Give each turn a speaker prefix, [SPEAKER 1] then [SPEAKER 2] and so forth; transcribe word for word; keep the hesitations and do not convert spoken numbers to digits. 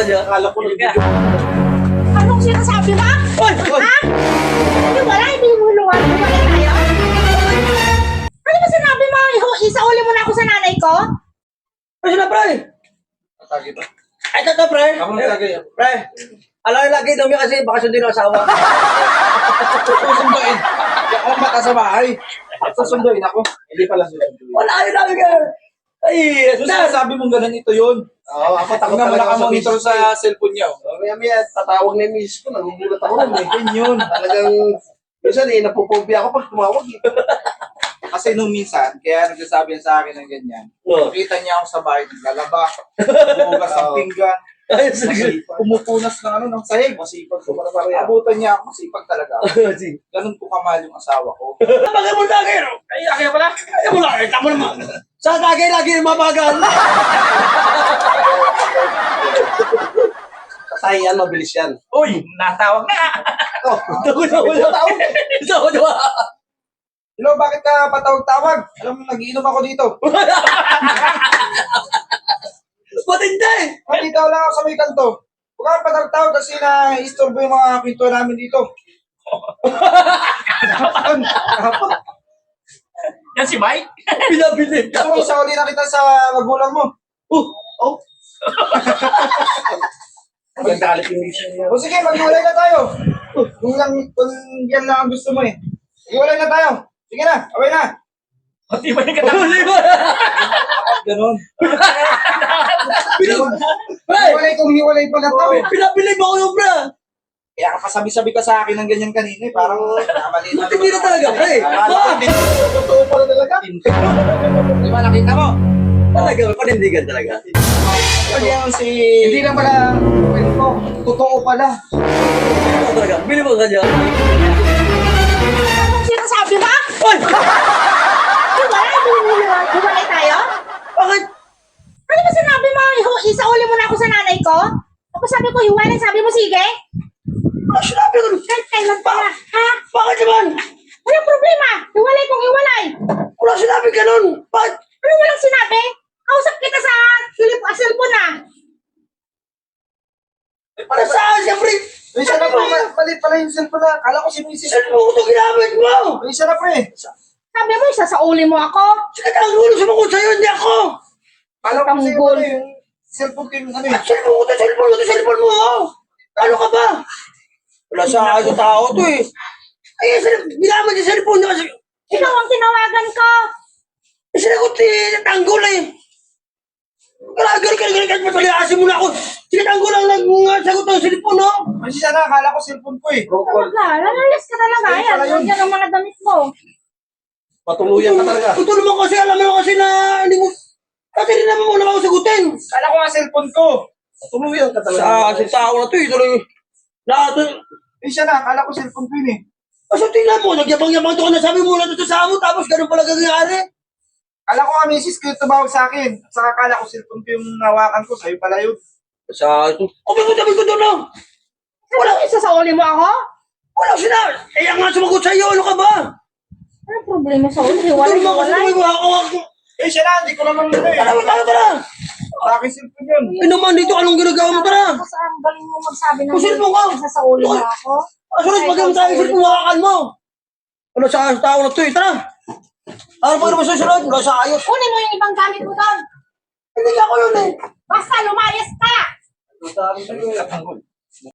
[SPEAKER 1] dyan?
[SPEAKER 2] Akala ko na.
[SPEAKER 3] Anong sinasabi mo?
[SPEAKER 1] Oy!
[SPEAKER 3] Ha? Hindi wala, hindi mo luwan. Wala tayo. Ano ba sinabi mo? Iho- Isauli mo na ako sa nanay ko?
[SPEAKER 1] Ano na, pre?
[SPEAKER 2] Atagi ba?
[SPEAKER 1] Ay, ito, pre.
[SPEAKER 2] Ako na lagay.
[SPEAKER 1] Pre, alam yung lagi daw niya kasi baka sundin ang asawa.
[SPEAKER 2] Susunduin. Hindi ako mata sa bahay. Susunduin ako. Hindi pala susunduin.
[SPEAKER 1] Wala yun namin ka. Ay,
[SPEAKER 2] So,
[SPEAKER 1] sir.
[SPEAKER 2] sinasabi mong ganun ito yun. Oo, ako takot
[SPEAKER 4] Tingnan mo,
[SPEAKER 2] talaga ako sa
[SPEAKER 4] nakamonitor
[SPEAKER 2] misis ko
[SPEAKER 4] sa cellphone niya. oh.
[SPEAKER 2] eh. Maya maya, tatawag na yung misis ko. Nagugulat ako nun eh. Yun yun. Talagang, minsan eh, napupobia ako pag tumawag eh. Kasi nung minsan, kaya nagsasabi yan sa akin ng ganyan.
[SPEAKER 1] Oh.
[SPEAKER 2] Nakita niya ako sa bahay, naglalaba, bumugas ng pinggan,
[SPEAKER 1] Ay, sige.
[SPEAKER 2] pumupunas ng ano, ng sahig. Masipag ko. Abutan niya ako, masipag talaga ako. Ganun ko kamahal yung asawa ko.
[SPEAKER 1] Bagay mo lagi, no?
[SPEAKER 4] Ay, akin pala.
[SPEAKER 1] Ay, mo lagi. Tama naman. Sa lagi, lagi yung mabagal.
[SPEAKER 2] Tay, yan, mabilis yan.
[SPEAKER 4] Uy, natawag na.
[SPEAKER 2] Oh,
[SPEAKER 1] Takot na wala.
[SPEAKER 2] tawag.
[SPEAKER 1] Takot na wala.
[SPEAKER 2] Hello, bakit ka patawag-tawag? Alam mo, nag-iinom ako dito.
[SPEAKER 1] Matindi.
[SPEAKER 2] Nandito lang ako sa may kanto. Huwag kang patawag-tawag kasi na-istorbo yung mga pinto namin dito. Kahapon, kahapon.
[SPEAKER 4] Yan si Mike.
[SPEAKER 1] Pinabilib
[SPEAKER 2] Gusto mo
[SPEAKER 1] ka.
[SPEAKER 2] isa uli na kita sa magulang mo.
[SPEAKER 1] Oh,
[SPEAKER 2] Oh. Magagalit yung mission niya. O sige, maghiwalay na tayo. Kung, lang, kung yan lang ang gusto mo eh. Maghiwalay na tayo. Sige na, away na.
[SPEAKER 4] Pati ba yung katapos?
[SPEAKER 1] Huli mo.
[SPEAKER 2] Ganon.
[SPEAKER 1] Pinab- Pre,
[SPEAKER 2] Hiwalay kung hiwalay pa na to.
[SPEAKER 1] pinabilib ako yung bra.
[SPEAKER 2] Kaya kapasabi-sabi ka sa akin ng ganyan kanina eh. Parang namali na.
[SPEAKER 1] Matindi na talaga, pre.
[SPEAKER 2] Ah, totoo pala talaga. Di ba nakita mo?
[SPEAKER 1] Talaga, panindigan talaga.
[SPEAKER 2] Pag yan si...
[SPEAKER 4] Hindi na pala.
[SPEAKER 2] Kwento. Totoo pala.
[SPEAKER 1] Ano talaga? Bilib mo ka dyan.
[SPEAKER 3] Anong sinasabi mo?
[SPEAKER 1] Oy!
[SPEAKER 3] Hindi wala, hindi mo luwan. Wala tayo?
[SPEAKER 1] Bakit?
[SPEAKER 3] Ano ba sinabi mo? Iho- Isauli mo na ako sa nanay ko? Ako sabi ko, hiwalay. Sabi mo, sige.
[SPEAKER 1] Ano sinabi ko?
[SPEAKER 3] Kahit kailan pa. Ha?
[SPEAKER 1] Bakit naman?
[SPEAKER 3] Walang problema. Hiwalay kung hiwalay.
[SPEAKER 1] Wala sinabi ganun. Bakit?
[SPEAKER 3] Ano walang sinabi? Kausap kita sa silip, ah, cellphone na.
[SPEAKER 1] Para saan, siyempre?
[SPEAKER 2] May isa na po. Mali pala yung cellphone na. Kala ko si Missus
[SPEAKER 1] Saan mo ko ito ginamit mo?
[SPEAKER 2] May isa na po eh.
[SPEAKER 3] Sabi mo, isasauli mo ako.
[SPEAKER 1] Sige, ang ulo sumagot sa'yo, hindi ako.
[SPEAKER 2] Kala ko kasi
[SPEAKER 3] Tanggol.
[SPEAKER 2] ano yung cellphone ko yung ano eh.
[SPEAKER 1] Cellphone ko ito, cellphone ko ito, cellphone mo. oh. Ano ka ba? Wala sa akin sa tao to eh. Ay, sila, ginamit yung cellphone niya kasi.
[SPEAKER 3] Ikaw ang tinawagan ko.
[SPEAKER 1] Eh, sinagot eh, natanggol eh. Kalagal ka, kalagal ka, mataliasin mo na ako. Sinatanggol lang nagsagot ng cellphone, no?
[SPEAKER 2] May isa na. Kala ko cellphone ko eh.
[SPEAKER 3] Talaga, lalalis ka talaga.
[SPEAKER 2] Ay,
[SPEAKER 3] Ayan,
[SPEAKER 2] pala yun.
[SPEAKER 3] yan ang mga damit mo.
[SPEAKER 2] Patuluyan ka talaga.
[SPEAKER 1] Ito naman kasi, alam mo kasi na hindi mo... Kasi hindi naman mo naman ako sagutin.
[SPEAKER 2] Kala ko nga cellphone ko. Patuluyan ka talaga.
[SPEAKER 1] Sa sa tao na to, ito lang yung... Lahat ng...
[SPEAKER 2] May isa na. Kala ko cellphone ko yun eh.
[SPEAKER 1] Kaso tingnan mo, nagyabang-yabang to ka na sabi mo na ito sa amo, tapos ganun pala gagyari.
[SPEAKER 2] Kala ko nga misis ko yung tumawag sa akin. At saka kala ko cellphone ko yung nawakan ko. Sa'yo pala yun.
[SPEAKER 1] Sa ito... Kung may sabi ko doon, no?
[SPEAKER 3] Wala, isasauli mo ako?
[SPEAKER 1] Wala sila. Eh, ang nga sumagot sa'yo, ano ka ba?
[SPEAKER 3] Ano problema sa uli?
[SPEAKER 1] Ito
[SPEAKER 3] Hiwalay,
[SPEAKER 1] naman kasi
[SPEAKER 3] hiwalay.
[SPEAKER 1] may hawak ko.
[SPEAKER 2] Eh siya na. Hindi ko naman ano eh.
[SPEAKER 1] Tara, tara, tara.
[SPEAKER 2] Sa akin cellphone yun.
[SPEAKER 1] Eh naman, dito anong ginagawa mo, tara.
[SPEAKER 3] Kasi ang galing mo magsabi ng
[SPEAKER 1] Kusin mo ka.
[SPEAKER 3] isasauli mo ako.
[SPEAKER 1] Kasunod, pag yung tayo, sir, kumakan mo. Ano sa tao na to, eh, tara. Ano pa naman susunod? Wala sa ayos.
[SPEAKER 3] Kunin mo yung ibang gamit mo doon.
[SPEAKER 1] Hindi ako yun eh.
[SPEAKER 3] Basta lumayas ka.
[SPEAKER 2] Sabi sa'yo, katanggol.